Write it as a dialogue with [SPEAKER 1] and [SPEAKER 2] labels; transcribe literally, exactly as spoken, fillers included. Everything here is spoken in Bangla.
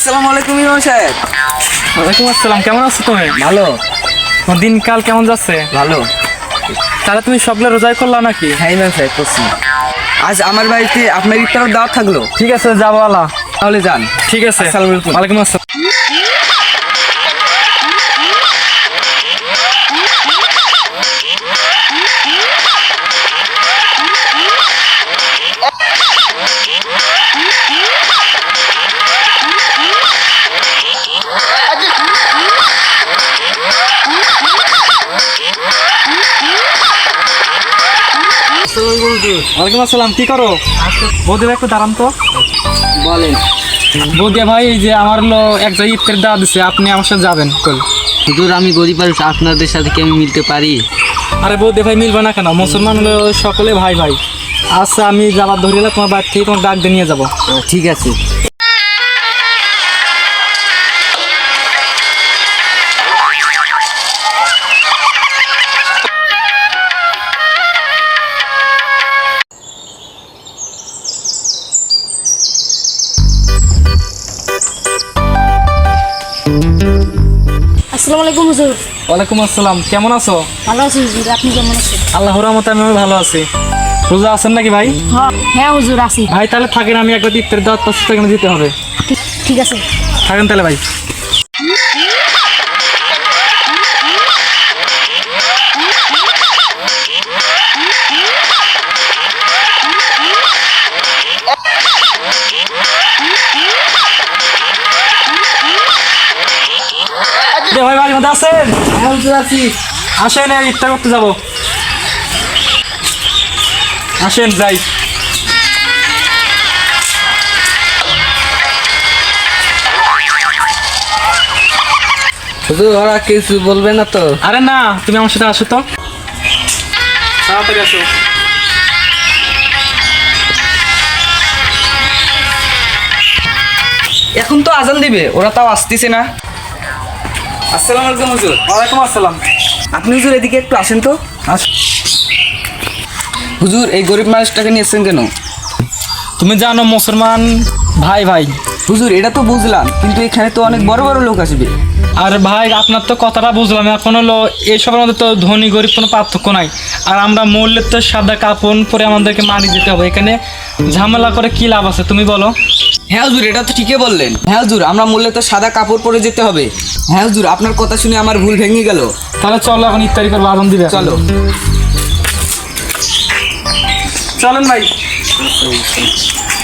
[SPEAKER 1] আসসালামু আলাইকুম ইমাম সাহেব।
[SPEAKER 2] ওয়ালাইকুম আসসালাম। কেমন আছো তুমি?
[SPEAKER 1] ভালো।
[SPEAKER 2] তোমার দিনকাল কেমন যাচ্ছে?
[SPEAKER 1] ভালো।
[SPEAKER 2] তাহলে তুমি সবগুলো রোজাই করলা নাকি?
[SPEAKER 1] হ্যাঁ ইমাম সাহেব করছি। আজ আমার বাড়িতে আপনার ইফতারের দাওয়াত থাকলো।
[SPEAKER 2] ঠিক আছে, যাবো আলা।
[SPEAKER 1] তাহলে যান।
[SPEAKER 2] ঠিক আছে।
[SPEAKER 1] আসসালামু আলাইকুম।
[SPEAKER 2] ওয়ালাইকুম আসসালাম। ওয়ালাইকুম আসসালাম। কি করো? বৌদি ভাই একটু দাঁড়ান তো।
[SPEAKER 1] বলেন।
[SPEAKER 2] বৌদি ভাই, এই যে আমার হলো এক জায়গায় ইফতার দেওয়া দিচ্ছে, আপনি আমার সাথে যাবেন কই?
[SPEAKER 3] হুজুর আমি গরিব মানুষ, আপনাদের সাথে কি আমি মিলতে পারি?
[SPEAKER 2] আরে বৌদি ভাই, মিলবে না কেন? মুসলমান হলো সকলে ভাই ভাই। আচ্ছা, আমি যাবার ধরিলে তোমার বাড়ি থেকে তোমার ডাক দিয়ে নিয়ে যাবো।
[SPEAKER 3] ঠিক আছে।
[SPEAKER 4] আসসালামু আলাইকুম হুজুর।
[SPEAKER 2] ওয়ালাইকুম আসসালাম। কেমন আছো?
[SPEAKER 4] ভালো আছি হুজুর, আপনি কেমন আছেন?
[SPEAKER 2] আল্লাহর রহমতে আমি ভালো আছি। রোজা আছেন নাকি ভাই?
[SPEAKER 4] হ্যাঁ হুজুর আছি।
[SPEAKER 2] ভাই তাহলে থাকেন, আমি একবার ইফতার দাওয়াত পাচ্ছি, সেখানে যেতে হবে।
[SPEAKER 4] ঠিক- ঠিক আছে।
[SPEAKER 2] থাকেন তাহলে ভাই। দে ভাই, বাড়ির মধ্যে আছেন?
[SPEAKER 1] হ্যাঁ হুজুর আছি।
[SPEAKER 2] আসেন, এই ইফতার করতে যাবো। আসেন যাই।
[SPEAKER 1] হুজুর ওরা কিছু বলবে না তো?
[SPEAKER 2] আরে না, তুমি আমার সাথে আসো তো, তাড়াতাড়ি আসো।
[SPEAKER 1] এখন তো আজান দিবে, ওরা তাও আসতেছে না। আসসালামু আলাইকুম হুজুর।
[SPEAKER 2] ওয়ালাইকুম আসসালাম।
[SPEAKER 1] আপনি হুজুর এদিকে একটু আসেন তো।
[SPEAKER 2] আস-
[SPEAKER 1] হুজুর এই গরিব মানুষটাকে নিয়েছেন কেন?
[SPEAKER 2] তুমি জানো মুসলমান ভাই ভাই।
[SPEAKER 1] হুজুর এটা তো বুঝলাম, কিন্তু এখানে তো অনেক বড় বড় লোক আসবে।
[SPEAKER 2] আর ভাই, আপনার তো কথাটা বুঝলাম, এখন হলো এইসবের মধ্যে তো ধনী গরিব কোনো পার্থক্য নাই। আর আমরা মূল্যের তো সাদা কাপড় পরে আমাদেরকে মানি যেতে হবে, এখানে ঝামেলা করে কি লাভ আছে তুমি বলো?
[SPEAKER 1] হ্যাঁ হুজুর এটা তো ঠিকই বললেন। হ্যাঁ হুজুর আমরা মূল্যে তো সাদা কাপড় পরে যেতে হবে। হ্যাঁ হুজুর আপনার কথা শুনে আমার ভুল ভেঙে গেল।
[SPEAKER 2] তাহলে চলো, এখন ইফতারি করবো, আজান দিবে।
[SPEAKER 1] চলো।
[SPEAKER 2] চলেন ভাই।